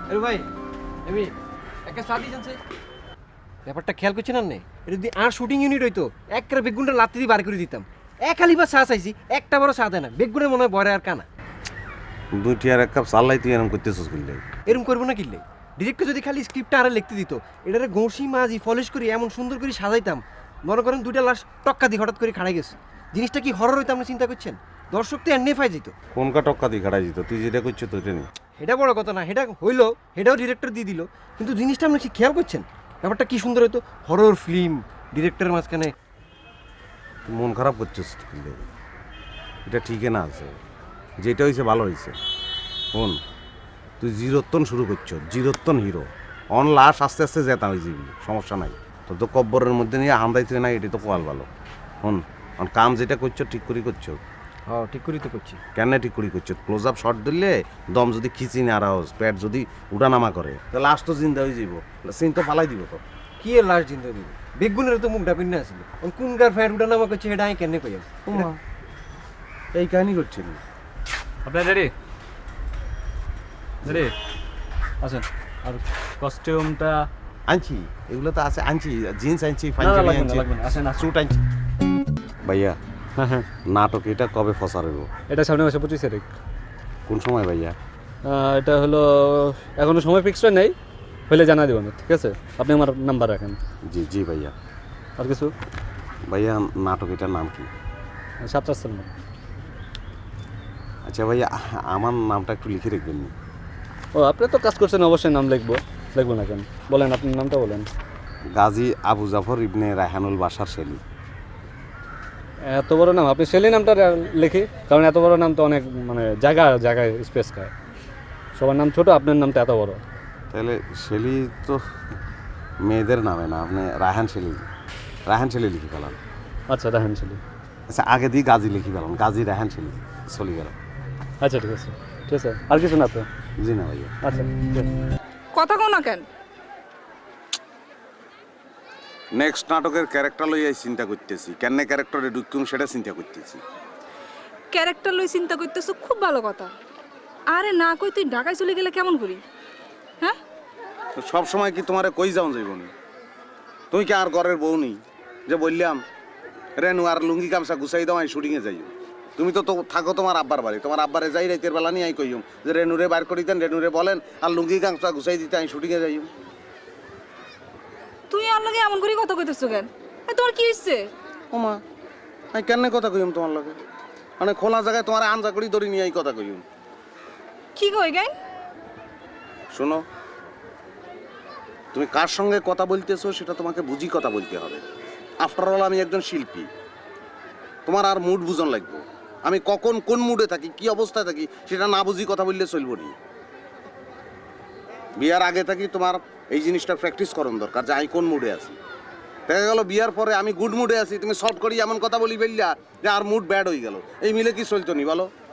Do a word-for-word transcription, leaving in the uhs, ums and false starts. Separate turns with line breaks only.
আরে ভাই আমি একটা চা দিয়ে জানছে ব্যাপারটা খেয়াল করছি না নে এটা যদি আর শুটিং ইউনিট হইতো একটা বেগুনটা লাত্তি দিয়ে বার করে দিতাম এক আলি বা চা চাইছি একটা বড় চা দেয় না বেগুনের মনে হয় বড় আর কানা
দুইটি আর এক কাপ চাল্লাই তুই এরকম করতেছিস কিনলে
এরকম করবো না কিনলে ডিরেক্টর যদি খালি স্ক্রিপ্টটা আরে লিখতে দিত এটারে ঘষি মাজি পলিশ করি এমন সুন্দর করে সাজাইতাম মনে করেন দুইটা লাশ টক্কা দিয়ে হঠাৎ করে খাড়াই গেছে জিনিসটা কি হরর হইতো আপনি চিন্তা করছেন দর্শক তো এনে ফাই যেত
কোনকা টক্কা দিয়ে খাড়াই যেত তুই যেটা করছো তো এটা নেই
এটা বড় কথা না এটা হইলো এটাও ডিরেক্টর দিয়ে দিল কিন্তু জিনিসটা আপনি কি খেয়াল করছেন ব্যাপারটা কি সুন্দর হতো হরর ফিল্ম ডিরেক্টরের মাঝখানে
তুই মন খারাপ করছিস কিনলে এটা ঠিকই না আছে যেটা হয়েছে ভালো হয়েছে শোন তুই জিরোত্তন শুরু করছো জিরোত্তন হিরো অন লাশ আস্তে আস্তে জেতা হয়ে যাবি সমস্যা নাই তোর তো কব্বরের মধ্যে নিয়ে হান্দাইতে না এটি তো কোয়াল ভালো শোন অন কাম যেটা করছো ঠিক করে করছো
হ্যাঁ ঠিক করি তো করছি
কেন ঠিক করে করছো ক্লোজ আপ শট দিলে দম যদি খিচি না আরাউস পেট যদি উঠানামা করে তো লাশ তো জিন্দা হয়ে যাব সিন তো ফালাই দিব তো
কি এর লাশ জিন্দা দিব বেগুনের তো মুখ ডাপিন না আসলে কোন গার ফ্যাট উঠা নামা করছে এটা আমি কেন কই
এই কাহিনী করছেন
আপনার রেডি রেডি আছেন আর কস্টিউমটা
আনছি এগুলো তো আছে আনছি জিন্স আনছি
না, না,
পাঞ্জাবি
লাগবে না,
আনছি
লাগবে না, আসেন, আসেন।
স্যুট আনছি ভাইয়া
হ্যাঁ হ্যাঁ
নাটক এটা কবে ফসার হইব
এটা সামনে মাসে পঁচিশ তারিখ
কোন সময় ভাইয়া
আহ, এটা হলো এখনো সময় ফিক্সড নেই হলে জানা দেবো না ঠিক আছে আপনি আমার নাম্বার রাখেন
জি জি ভাইয়া
আর কিছু
ভাইয়া নাটক এটার নাম কি
সাতটা সালমান
আচ্ছা ভাইয়া আমার নামটা একটু লিখে রাখবেন নি?
ও আপনি তো কাজ করছেন অবশ্যই নাম লিখবো লিখবো না কেন বলেন আপনার নামটা বলেন
গাজী আবু জাফর ইবনে রায়হানুল বাশার শেলি
এত বড় নাম আপনি সেলি নামটা লিখি কারণ এত বড় নাম তো অনেক মানে জায়গা জায়গায় স্পেস খায় সবার নাম ছোট আপনার নামটা এত বড়
তাহলে শেলি তো মেয়েদের নামে না আপনি রায়হান শেলি রায়হান শেলি লিখে ফেলান
আচ্ছা রাহেন সেলি
আচ্ছা আগে দিয়ে গাজী লিখে ফেলান গাজী রায়হান শেলি চলে গেল
আচ্ছা ঠিক আছে ঠিক আছে আর কিছু না তো
জি না ভাইয়া
আচ্ছা ঠিক আছে।
কথা কও না কেন
নেক্সট নাটকের ক্যারেক্টার লইয়াই চিন্তা করতেছি কেন ক্যারেক্টারে ঢুকুম সেটা চিন্তা করতেছি
ক্যারেক্টার লই চিন্তা করতেছো খুব ভালো কথা আরে না কই তুই ঢাকায় চলে গেলে কেমন করি হ্যাঁ
তো সব সময় কি তোমারে কই যাও যাইব না তুই কি আর ঘরের বউ নেই যে বললাম রেনু আর লুঙ্গি গামছা গুছাই দাও আমি শুটিংয়ে যাই তুমি তো তো থাকো তোমার আব্বার বাড়ি তোমার আব্বারে যাই রাতের বেলা নিয়ে আই কইম যে রেনুরে বার করে দেন রেনুরে বলেন আর লুঙ্গি গামছা গুছাই দিতে আমি শুটিংয়ে যাই
তুই আর লাগে এমন করে কথা কইতেছো কেন এ তোর কি হইছে
ওমা আমি কেন কথা কইম তোমার লগে মানে খোলা জায়গায় তোমার আঞ্জা করি ধরে নিয়ে এই কথা কইম
কি কই গাই
শোনো তুমি কার সঙ্গে কথা বলতেছো সেটা তোমাকে বুঝি কথা বলতে হবে আফটার অল আমি একজন শিল্পী তোমার আর মুড বুঝন লাগবে আমি কখন কোন মুডে থাকি কি অবস্থায় থাকি সেটা না বুঝি কথা বললে চলবো নি বিয়ার আগে থাকি তোমার এই জিনিসটা প্র্যাকটিস করন দরকার যে আমি কোন মুডে আছি দেখা গেল বিয়ার পরে আমি গুড মুডে আছি তুমি সলভ করি এমন কথা বলি বললা যে আর মুড ব্যাড হয়ে গেল এই মিলে কি চলতো নি বলো